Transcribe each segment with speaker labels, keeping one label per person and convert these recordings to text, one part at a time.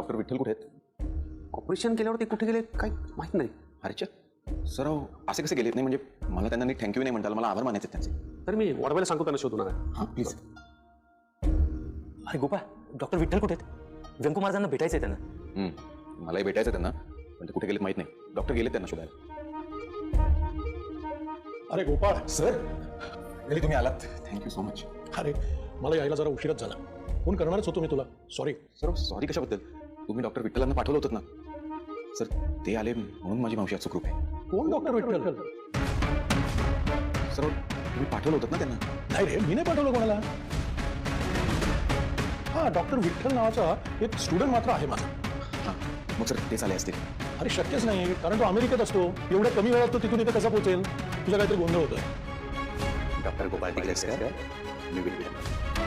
Speaker 1: Doctor Vitthal कुठे आहेत? Operation केल्यावर ते कुठे गेले काही माहीत नाही. अरेच्या सर असे कसे गेलेत? नाही म्हणजे मला त्यांना नीट थँक्यू नाही म्हणता आलं, मला आभार मानायचे त्यांचे. तर मी वडवायला सांगतो त्यांना शोधून आणा. हां प्लीज.
Speaker 2: अरे गोपाळ, डॉक्टर विठ्ठल कुठे आहेत? व्यंकू महाराजांना भेटायचंय त्यांना.
Speaker 1: मलाही भेटायचं त्यांना, पण ते कुठे गेलेत माहीत नाही. डॉक्टर गेलेत त्यांना शोधायला.
Speaker 3: अरे गोपाळ
Speaker 1: सर तुम्ही आलात, थँक्यू सो मच.
Speaker 3: अरे मला यायला जरा उशीरच झाला. फोन करणारच होतो मी तुला. सॉरी.
Speaker 1: सर सॉरी कशाबद्दल? तुम्ही डॉक्टर विठ्ठलांना पाठवलं होतं ना सर, ते आले म्हणून माझी मावशी आज सुखरूप आहे.
Speaker 3: कोण डॉक्टर विठ्ठल?
Speaker 1: सर तुम्ही पाठवलं होतं ना त्यांना?
Speaker 3: नाही रे, मी नाही पाठवलं कोणाला. हा डॉक्टर विठ्ठल नावाचा एक स्टुडंट मात्र आहे माझा.
Speaker 1: मग सर तेच आले असतील.
Speaker 3: अरे शक्यच नाही, कारण तो अमेरिकेत असतो. एवढ्या कमी वेळात तो तिथून इथे कसा पोहोचेल? तुझा काहीतरी गोंधळ होतोय.
Speaker 1: डॉक्टर गोपाळ तिकडे सर, मी विठ्ठल.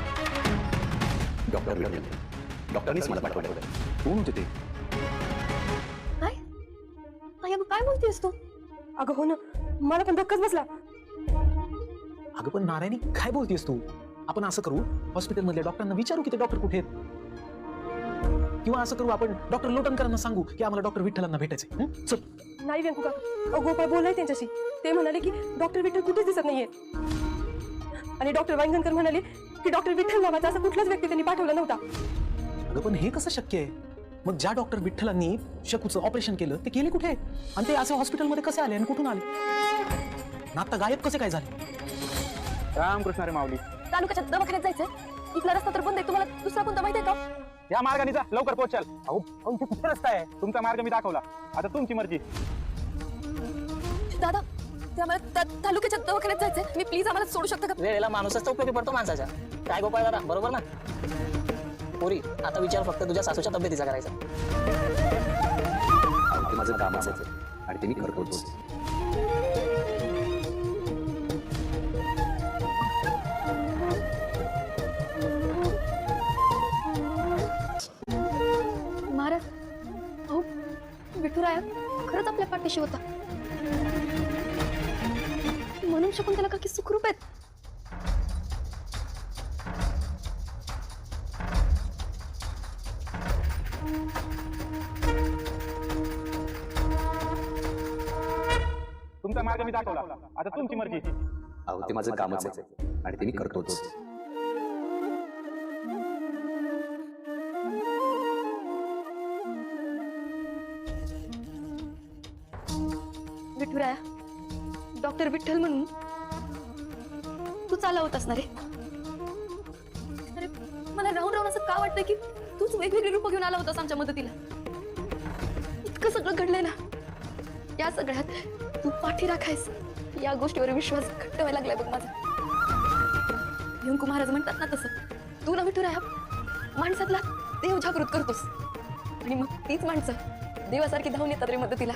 Speaker 1: डॉक्टर विठ्ठल डॉक्टरनीच मला पाठवलं. कोण होते ते?
Speaker 4: काय अगं काय बोलतेस तू? अगं हो ना, मला पण धक्काच बसला.
Speaker 2: अगं पण नारायणी काय बोलतेस तू? आपण असं करू, हॉस्पिटलमधल्या डॉक्टरांना विचारू की ते डॉक्टर कुठे आहेत, किंवा असं करू आपण डॉक्टर लोटनकरांना सांगू की आम्हाला डॉक्टर विठ्ठलांना भेटायचंय. चल.
Speaker 4: नाही व्यंकू काका, गोपाळ बोलाय त्यांच्याशी. ते म्हणाले की डॉक्टर विठ्ठल कुठेच दिसत नाहीये. आणि डॉक्टर वांगणकर म्हणाले की डॉक्टर विठ्ठल नावाचा असा कुठलाच व्यक्ती त्यांनी पाठवला नव्हता.
Speaker 2: अगं पण हे कसं शक्य आहे? मग ज्या डॉक्टर विठ्ठलांनी शकूचं ऑपरेशन केलं ते गेले कुठे? आणि ते असं हॉस्पिटलमध्ये कसे आले आणि कुठून आले? ना आता गायब कसे काय झाले?
Speaker 5: रामकृष्ण रे माऊली.
Speaker 4: तालुक्याच्या दवाखान्यात जायचंय. इथला रस्ता तर बंद आहे. तुम्हाला दुसरा कोणता माहिती आहे का?
Speaker 5: या मार्गाने जा, लवकर पोहोचाल. अहो इथे कुठे रस्ता आहे? तुमचा मार्ग मी दाखवला, आता तुमची मर्जी.
Speaker 4: दादा ते आम्हाला तालुक्याच्या दवाखान्यात जायचंय. मी प्लीज आम्हाला सोडू शकता का?
Speaker 6: वेळेला माणूसच उपयोगी पडतो माणसाच्या. काय गोपाळ दादा, बरोबर ना? पोरी आता विचार फक्त तुझ्या सासूच्या तब्येतीचा करायचा.
Speaker 1: ते माझं काम असायचं आणि ते मी करतोच.
Speaker 4: महाराज अहो विठुराया खरंच आपल्या पाठीशी होता. म्हणून शकुंतला काकी सुखरूप आहेत.
Speaker 5: तुमचा मार्ग मी दाखवला, आता तुमची मर्जी.
Speaker 1: अहो ते माझं कामच आहे आणि ते मी करतोच.
Speaker 4: विठुराया डॉक्टर विठ्ठल म्हणून तू चालवत असणार आहे. अरे मला राहून राहून असं का वाटतंय की तूच वेगवेगळी रूप घेऊन आला होतास आमच्या मदतीला. इतकं सगळं घडलंय ना, या सगळ्यात तू पाठी राखायस या गोष्टीवर विश्वास घट्ट व्हायला लागलाय बघ माझा. व्यंकू महाराज म्हणतात ना तसं तू ना विठुराया माणसातला देव जागृत करतोस आणि मग तीच माणसं देवासारखी धावून येतात रे मदतीला.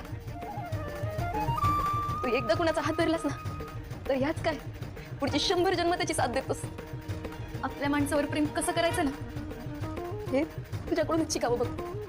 Speaker 4: तू एकदा कुणाचा हात धरलास ना तर ह्याच काय पुढची 100 जन्म त्याची साथ देतोस. आपल्या माणसावर प्रेम कसं करायचं ना हे तुझ्याकडूनच शिकावं बघ.